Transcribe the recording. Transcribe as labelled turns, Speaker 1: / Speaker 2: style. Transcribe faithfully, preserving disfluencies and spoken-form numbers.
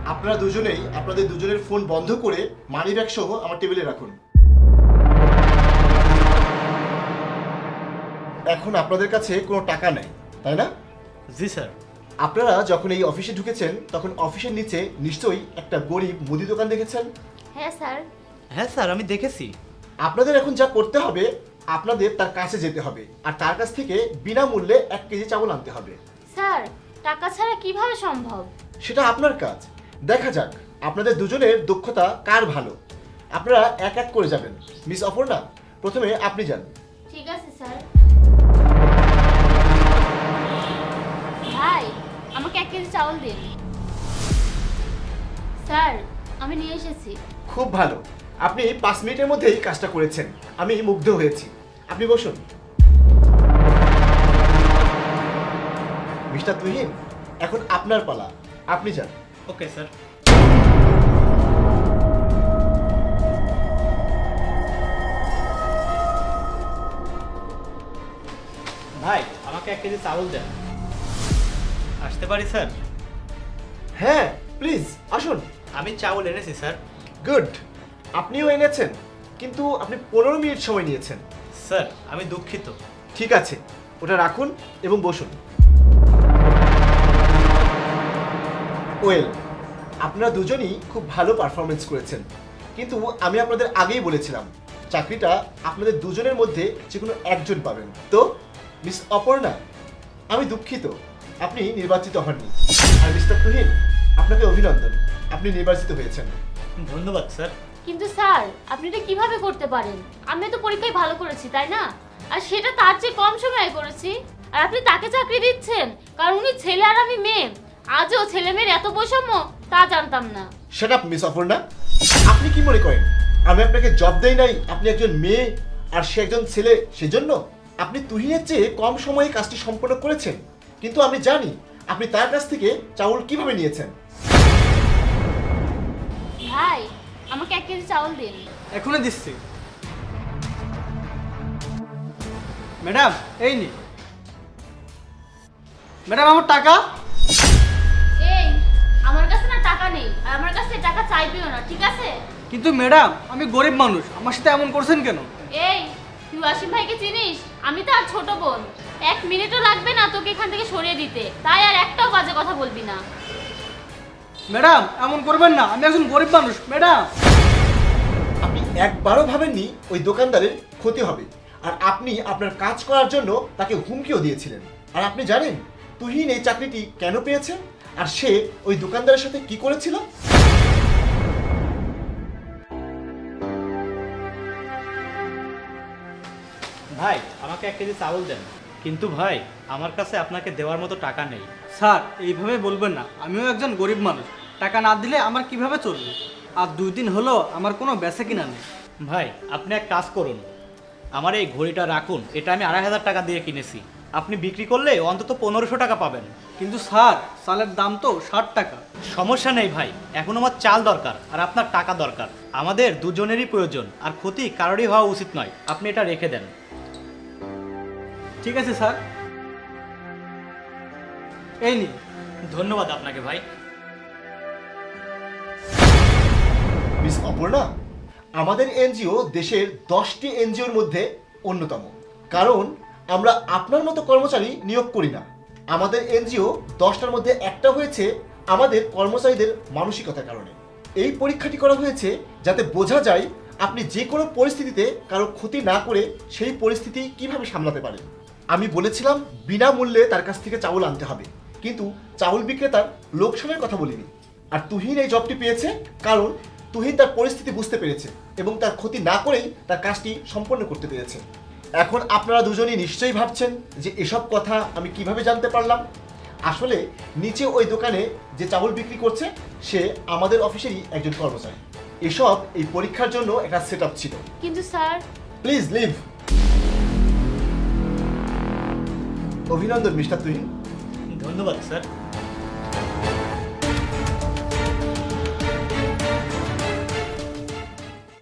Speaker 1: আপনারা দুজনেই আপনাদের দুজনের ফোন বন্ধ করে মানি ব্যাগ সহ আমার টেবিলে রাখুন। এখন আপনাদের কাছে কোনো টাকা নেই, তাই না?
Speaker 2: জি স্যার।
Speaker 1: আপনারা যখন এই অফিসে ঢুকেছেন তখন অফিসের নিচে নিশ্চয়ই একটা গরিব মুদি দোকান দেখেছেন।
Speaker 3: হ্যাঁ স্যার।
Speaker 2: হ্যাঁ স্যার, আমি দেখেছি।
Speaker 1: আপনাদের এখন যা করতে হবে, আপনাদের তার কাছে যেতে হবে আর তার কাছ থেকে বিনামূল্যে এক কেজি চাউল আনতে হবে।
Speaker 3: স্যার, টাকা ছাড়া কিভাবে সম্ভব?
Speaker 1: সেটা আপনার কাজ। দেখা যাক আপনাদের দুজনের দক্ষতা কার ভালো। আপনারা এক এক করে যাবেন। মিস অপর্ণা, প্রথমে আপনি যান।
Speaker 3: ঠিক আছে স্যার। ভাই, আমাকে এক কেজি চাউল দিন। স্যার, আমি নিয়ে এসেছি।
Speaker 1: খুব ভালো, আপনি পাঁচ মিনিটের মধ্যেই কাজটা করেছেন। আমি মুগ্ধ হয়েছি। আপনি বসুন। মিস্টার তুহিন, এখন আপনার পালা, আপনি যান।
Speaker 2: Okay sir. ভাই, আমাকে এক কেজি চাউল দেন। আসতে পারি স্যার?
Speaker 1: হ্যাঁ, প্লিজ আসুন।
Speaker 2: আমি চাউল এনেছি স্যার।
Speaker 1: গুড, আপনিও এনেছেন, কিন্তু আপনি পনেরো মিনিট সময় নিয়েছেন।
Speaker 2: স্যার, আমি দুঃখিত।
Speaker 1: ঠিক আছে, ওটা রাখুন এবং বসুন। ওয়েল, আপনারা দুজনই খুব ভালো পারফরমেন্স করেছেন, কিন্তু আমি আপনাদের আগেই বলেছিলাম চাকরিটা আপনাদের দুজনের মধ্যে যে কোনো একজন পাবেন। তো মিস অপর্ণা, আমি দুঃখিত, আপনি নির্বাচিত হননি। আর মিস্টার তুহিন, আপনাকে অভিনন্দন, আপনি নির্বাচিত হয়েছেন।
Speaker 2: ধন্যবাদ স্যার।
Speaker 3: কিন্তু স্যার, আপনি এটা কিভাবে করতে পারেন? আমি তো পরীক্ষায় ভালো করেছি, তাই না? আর সেটা তার চেয়ে কম সময়ে করেছি। আর আপনি তাকে চাকরি দিচ্ছেন কারণ উনি ছেলে আর আমি মেয়ে। আজও ছেলে মেয়ের এত বৈষম্য, তা জানতাম না।
Speaker 1: শাট আপ মিস অপর্ণা, আপনি কি মনে করেন আমি আপনাকে জব দেই নাই? আপনি একজন মেয়ে আর সে একজন ছেলে, সেজন্য আপনি তুহিনের চেয়ে কম সময়ে কাজটি সম্পন্ন করেছেন। কিন্তু আমি জানি আপনি তার কাছ থেকে চাউল কিভাবে নিয়েছেন।
Speaker 3: ভাই, আমাকে এক কেজি চাউল দিন।
Speaker 4: এখনই দিচ্ছি। ম্যাডাম, এই নি। ম্যাডাম, আমার টাকা।
Speaker 3: এই, আমার কাছে না টাকা নেই, আর আমার কাছে টাকা চাইবেও না, ঠিক আছে?
Speaker 4: কিন্তু ম্যাডাম, আমি গরিব মানুষ, আমার সাথে এমন করছেন কেন?
Speaker 3: এই, তুই ওয়াসিম ভাইকে চিনিস? আমি তার ছোট বোন। এক মিনিটও লাগবে না তোকে এখান থেকে সরিয়ে দিতে, তাই আর একটাও বাজে কথা বলবি না।
Speaker 4: ম্যাডাম, এমন করবেন না, আমি একজন গরিব মানুষ। ম্যাডাম,
Speaker 1: আপনি একবারও ভাবেননি ওই দোকানদারের ক্ষতি হবে, আর আপনি আপনার কাজ করার জন্য তাকে হুমকিও দিয়েছিলেন। আর আপনি জানেন তুহিন এই চাকরিটি কেন পেয়েছে আর সে ওই দোকানদারের সাথে কি করেছিল?
Speaker 2: ভাই, আমাকে এক কেজি চাউল দেন। কিন্তু ভাই, আমার কাছে আপনাকে দেওয়ার মতো টাকা নেই।
Speaker 4: স্যার, এইভাবে বলবেন না, আমিও একজন গরিব মানুষ। টাকা না দিলে আমার কিভাবে চলবে? আর দুই দিন হলো আমার কোনো বেচা কিনা নেই।
Speaker 2: ভাই, আপনি এক কাজ করুন, আমার এই ঘড়িটা রাখুন। এটা আমি আড়াই হাজার টাকা দিয়ে কিনেছি। আপনি বিক্রি করলে অন্তত পনেরোশো টাকা পাবেন।
Speaker 4: কিন্তু স্যার, চালের দাম তো ষাট টাকা।
Speaker 2: সমস্যা নেই ভাই, এখন আমার চাল দরকার আর আপনার টাকা দরকার। আমাদের দুজনেরই প্রয়োজন, আর ক্ষতি কারোরই হওয়া উচিত নয়। আপনি এটা রেখে দেন।
Speaker 4: ঠিক আছে স্যার, এই নিন।
Speaker 2: ধন্যবাদ আপনাকে ভাই।
Speaker 1: মিস অপর্ণা, আমাদের এনজিও দেশের দশটি এনজিওর মধ্যে অন্যতম, কারণ আমরা আপনার মতো কর্মচারী নিয়োগ করি না। আমাদের এনজিও দশটার মধ্যে একটা হয়েছে আমাদের কর্মচারীদের মানসিকতার কারণে। এই পরীক্ষাটি করা হয়েছে যাতে বোঝা যায় আপনি যে কোনো পরিস্থিতিতে কারো ক্ষতি না করে সেই পরিস্থিতি কিভাবে সামলাতে পারেন। আমি বলেছিলাম বিনামূল্যে তার কাছ থেকে চাউল আনতে হবে, কিন্তু চাউল বিক্রেতার লোকসানের কথা বলিনি। আর তুহিন এই জবটি পেয়েছে কারণ তুহিন তার পরিস্থিতি বুঝতে পেরেছে এবং তার ক্ষতি না করেই তার কাজটি সম্পন্ন করতে পেরেছে। এখন আপনারা দুজনই নিশ্চয়ই ভাবছেন যে এসব কথা আমি কিভাবে জানতে পারলাম। আসলে নিচে ওই দোকানে যে চাউল বিক্রি করছে সে আমাদের অফিসেরই একজন কর্মচারী। এসব এই পরীক্ষার জন্য একটা সেট আপ ছিল।
Speaker 3: কিন্তু স্যার,
Speaker 1: প্লিজ লিভ। অভিনন্দন মিস্টার তুহিন।
Speaker 2: ধন্যবাদ স্যার।